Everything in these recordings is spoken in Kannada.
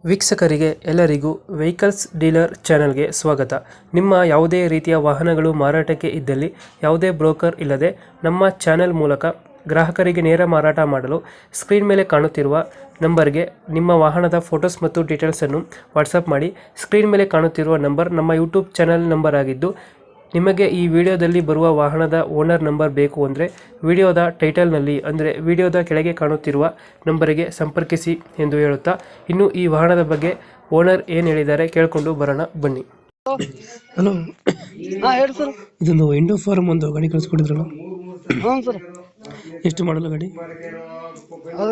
ವೀಕ್ಷಕರಿಗೆ ಎಲ್ಲರಿಗೂ ವೆಹಿಕಲ್ಸ್ ಡೀಲರ್ ಚಾನೆಲ್ಗೆ ಸ್ವಾಗತ. ನಿಮ್ಮ ಯಾವುದೇ ರೀತಿಯ ವಾಹನಗಳು ಮಾರಾಟಕ್ಕೆ ಇದ್ದಲ್ಲಿ ಯಾವುದೇ ಬ್ರೋಕರ್ ಇಲ್ಲದೆ ನಮ್ಮ ಚಾನೆಲ್ ಮೂಲಕ ಗ್ರಾಹಕರಿಗೆ ನೇರ ಮಾರಾಟ ಮಾಡಲು ಸ್ಕ್ರೀನ್ ಮೇಲೆ ಕಾಣುತ್ತಿರುವ ನಂಬರ್ಗೆ ನಿಮ್ಮ ವಾಹನದ ಫೋಟೋಸ್ ಮತ್ತು ಡೀಟೇಲ್ಸನ್ನು ವಾಟ್ಸಪ್ ಮಾಡಿ. ಸ್ಕ್ರೀನ್ ಮೇಲೆ ಕಾಣುತ್ತಿರುವ ನಂಬರ್ ನಮ್ಮ ಯೂಟ್ಯೂಬ್ ಚಾನೆಲ್ ನಂಬರ್ ಆಗಿದ್ದು, ನಿಮಗೆ ಈ ವಿಡಿಯೋದಲ್ಲಿ ಬರುವ ವಾಹನದ ಓನರ್ ನಂಬರ್ ಬೇಕು ಅಂದರೆ ವಿಡಿಯೋದ ಟೈಟಲ್ನಲ್ಲಿ ಅಂದರೆ ವಿಡಿಯೋದ ಕೆಳಗೆ ಕಾಣುತ್ತಿರುವ ನಂಬರಿಗೆ ಸಂಪರ್ಕಿಸಿ ಎಂದು ಹೇಳುತ್ತಾ, ಇನ್ನು ಈ ವಾಹನದ ಬಗ್ಗೆ ಓನರ್ ಏನು ಹೇಳಿದ್ದಾರೆ ಕೇಳಿಕೊಂಡು ಬರೋಣ ಬನ್ನಿ. ಹಲೋ, ಹಾ ಹೇಳಿ ಸರ್. ಇದೊಂದು ಇಂಡೋ ಫಾರ್ಮ್ ಒಂದು ಗಾಡಿ ಕಳಿಸ್ಕೊಟ್ಟಿದ್ರಲ್ಲ, ಹ್ಞೂ ಸರ್. ಎಷ್ಟು ಮಾಡಲ್ಲ ಗಾಡಿ? ಅದು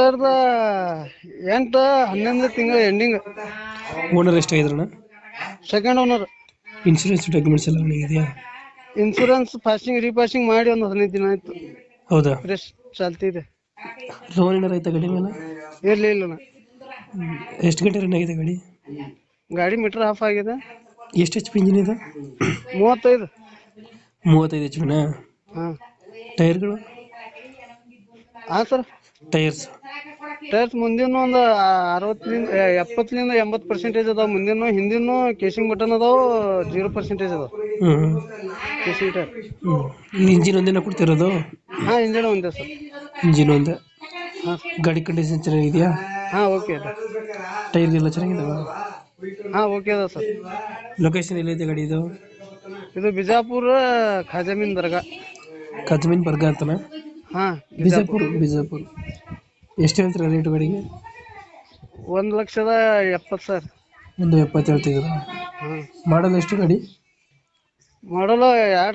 2008 11 ತಿಂಗಳ ಎಂಡಿಂಗ್. ಓನರ್ ಎಷ್ಟಾಗಿದ್ರಣ? Second owner. ಇನ್ಶೂರೆನ್ಸ್ ಡಾಕ್ಯುಮೆಂಟ್ಸ್ ಎಲ್ಲ ಇದೆಯಾ? ಇನ್ಸೂರೆನ್ಸ್ ಪಾಸಿಂಗ್ ರೀಪಾಸಿಂಗ್ ಮಾಡಿ ಒಂದು 15 ದಿನ ಆಯ್ತು. ಹೌದಾ? ಫ್ರೆಶ್ ಚಾಲ್ತಿ ಇದೆ. ಲೋನ್ ಏನಾರ ಆಯ್ತಾ ಗಾಡಿ ಮೇಲೆ? ಇಲ್ಲ. ಎಷ್ಟು ಗಂಟೆ ರನ್ ಆಗಿದೆ ಗಾಡಿ? ಗಾಡಿ ಮೀಟರ್ ಆಫ್ ಆಗಿದೆ. ಎಷ್ಟು ಎಚ್ ಪಿ ಇಂಜಿನ್ ಇದೆ? 35. 35 ಎಚ್ ಪಿನಾ? ಹಾಂ. ಟೈರ್ಗಳು? ಹಾಂ ಸರ್. ಟೈರ್ಸ್ ಮುಂದಿನ ಒಂದು 70ರಿಂದ 80% ಅದಾವ. ಮುಂದಿನ ಹಿಂದಿನ ಕೇಸಿಂಗ್ ಬಟನ್ ಅದಾವ. 0% ಅದಾವ ಕೇಸಿಂಗ್ ಟೈರ್. ಇಂಜಿನ್ ಒಂದೇನ ಕೊಡ್ತಿರೋದು? ಹಾಂ, ಇಂಜಿನ್ ಒಂದೇ ಸರ್. ಇಂಜಿನ್ ಒಂದೇ. ಹಾಂ. ಗಾಡಿ ಕಂಡೀಷನ್ ಚೆನ್ನಾಗಿದೆಯಾ? ಹಾಂ, ಓಕೆ ಅದ. ಟೈರ್ಗೆಲ್ಲ ಚೆನ್ನಾಗಿದಾವ? ಹಾಂ, ಓಕೆ ಅದ ಸರ್. ಲೊಕೇಶನ್ ಎಲ್ಲಿದೆ ಗಾಡಿ ಇದು? ಇದು ಬಿಜಾಪುರ ಖಾಜಮೀನ್ ದರ್ಗಾ. ಕದ್ಮೀನ್ ಬರ್ಗ ಅಂತನ? ಹಾಂ, ಬಿಜಾಪುರ. ಎಷ್ಟು ಹೇಳ್ತೀರಾ ರೇಟು ಗಾಡಿಗೆ? 1,70,000. 170 ಹೇಳ್ತಿದ್ದೀರಾ? ಹಾಂ. ಮಾಡಲ್ ಎಷ್ಟು ಗಾಡಿ? ಮಾಡಲು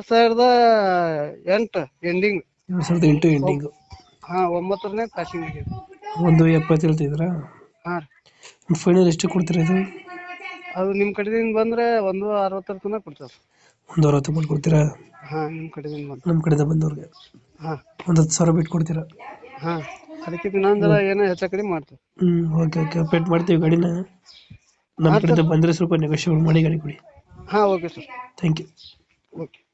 2008 ಎಂಡಿಂಗ್. 2008 ಎಂಡಿಂಗು. ಹಾಂ, 9ನೇ ಪಾಸಿಂಗ್ ಆಗಿದೆ. 170 ಹೇಳ್ತಿದ್ದೀರಾ? ಹಾಂ. ಫೈನಲ್ ಎಷ್ಟು ಕೊಡ್ತೀರಾ ಇದು? ಅದು ನಿಮ್ಮ ಕಡೆದಿಂದ ಬಂದರೆ 160 ತನಕ ಕೊಡ್ತಾರೆ. 160 ಮಾಡ್ಕೊಡ್ತೀರಾ? ಹಾಂ, ನಿಮ್ಮ ಕಡೆಯಿಂದ ಬಂದು. ನಮ್ಮ ಕಡೆಯಿಂದ ಬಂದವ್ರಿಗೆ ಹಾಂ. ಒಂದು 10,000 ಬಿಟ್ಟು ಕೊಡ್ತೀರಾ? ಹಾಂ, ಅದಕ್ಕೆ ಇನ್ನೊಂದರ ಏನೋ ಹೆಚ್ಚು ಕಡಿಮೆ ಮಾಡ್ತೀವಿ. ಓಕೆ ಪೇಟ್ ಮಾಡ್ತೀವಿ ಗಾಡಿನ. ನಮ್ಮ ಕಡೆಯಿಂದ ಬಂದರೆ ಸ್ವಲ್ಪ ನೆಗೋಷಿಯೇಟ್ ಮಾಡಿ ಗಾಡಿ ಕೊಡಿ. ಹಾಂ, okay sir. Thank you. Okay.